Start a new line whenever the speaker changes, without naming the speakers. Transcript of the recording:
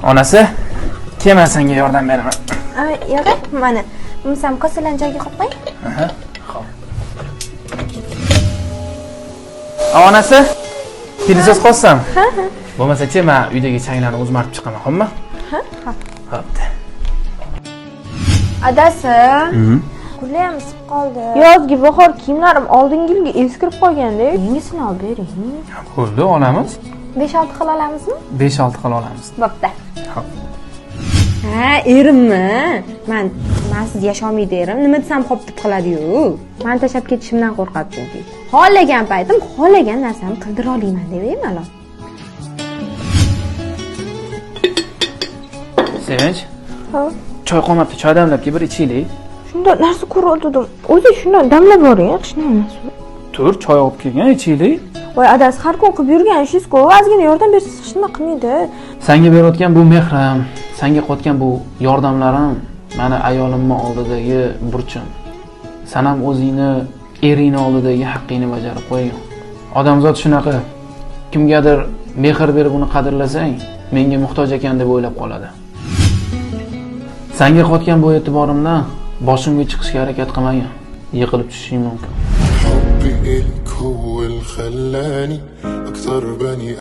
Onasi, kelma senga yordam beraman.
Yo'q, mana. Umsam kosalarni joyiga qo'yib qo'y.
Xo'p. Onasi, kelasiz qolsam. Bo'lmasa-chi, men uydagi changlarni o'zim artib chiqaman, xo'pmi? Xo'p.
Adasi. Qo'lim isib qoldi.
Yozgi bahor kiyimlarim oldingi yilga eskirib qolganda, yangisini olib bering.
Bo'ldi, olamiz.
5-6 xil olamizmi?
5-6 xil olamiz.
Bo'pti.
Xo'p.
Erimmi? Men siz yasholmaydi erim. Nima desam xo'p deb qoladi-yu. Men tashab ketishimdan qo'rqadi chunki. Xohlagan paytim xohlagan narsamni qildira olaman deb malol.
Sevinch.
Ha.
Choy qolmabdi, choy damlab bir ichaylik.
Shunda narsa ko'rdim. O'zi shundan damlab boring, yaxshi emas.
Tur, choy olib kelgan, ichaylik.
Voy adasi, har kun qilib yurgan ishingiz-ku, ozgina yordam bersangiz hech nima qilmaydi.
Senga berayotgan bu mehrim, senga qotgan bu yordamlarim meni ayolimning oldidagi burchim. Sen ham o'zingni eringni oldidagi haqqingni bajarib qo'ygan. Odamzod shunaqa. Kimgadir mehr berib uni qadrlasang, menga muhtoj ekan deb o'ylab qoladi. Senga qotgan bu e'tiborimdan boshimga chiqishga harakat qilmagan. Yiqilib tushishing mumkin.
حبي إلك هو اللي خلاني أكثر بني